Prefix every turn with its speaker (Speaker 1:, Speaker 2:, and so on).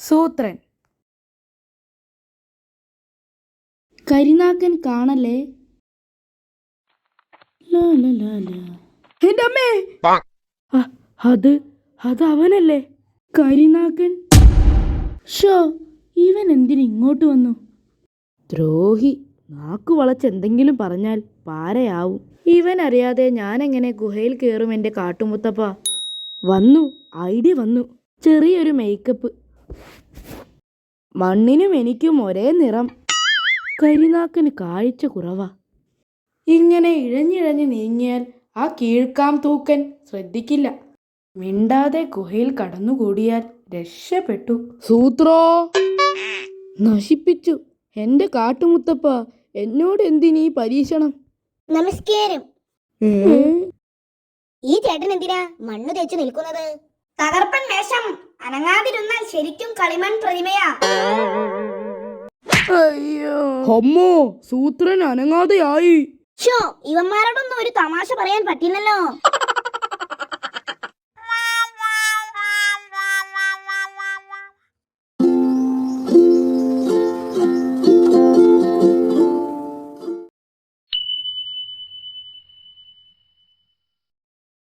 Speaker 1: സൂത്രൻ. കരിനാക്കൻ കാണല്ലേ. എന്റെ അമ്മേ, അത് അവനല്ലേ കരിനാക്കൻ. ഷോ, ഇവൻ എന്തിനിങ്ങോട്ട് വന്നു? ദ്രോഹി, നാക്കു വളച്ച് എന്തെങ്കിലും പറഞ്ഞാൽ പാരയാവും. ഇവൻ അറിയാതെ ഞാനെങ്ങനെ ഗുഹയിൽ കയറും എൻ്റെ കാട്ടുമുത്തപ്പ? വന്നു, ഐഡിയ വന്നു. ചെറിയൊരു മേക്കപ്പ്. മണ്ണിനും എനിക്കും ഒരേ നിറം. കരിനാക്കന് കാഴ്ച കുറവാ. ഇങ്ങനെ ഇഴഞ്ഞിഴഞ്ഞ് നീങ്ങിയാൽ ആ കീഴ്ക്കാം തൂക്കൻ ശ്രദ്ധിക്കില്ല. മിണ്ടാതെ ഗുഹയിൽ കടന്നുകൂടിയാൽ രക്ഷപ്പെട്ടു. സൂത്രോ, നശിപ്പിച്ചു എന്റെ കാട്ടുമുത്തപ്പ. എന്നോട് എന്തിനീ പരീക്ഷണം?
Speaker 2: നമസ്കാരം. ഈ ചേട്ടൻ എന്തിനാ മണ്ണ് തേച്ച് നിൽക്കുന്നത്? തകർപ്പൻ വേഷം. അനങ്ങാതിരുന്നാൽ ശരിക്കും കളിമൺ പ്രതിമയാ.
Speaker 1: അയ്യോ, അമ്മോ, സൂത്രൻ അനങ്ങാതെയായി.
Speaker 2: ഷോ, ഇവന്മാരോടൊന്നും ഒരു തമാശ പറയാൻ പറ്റില്ലല്ലോ.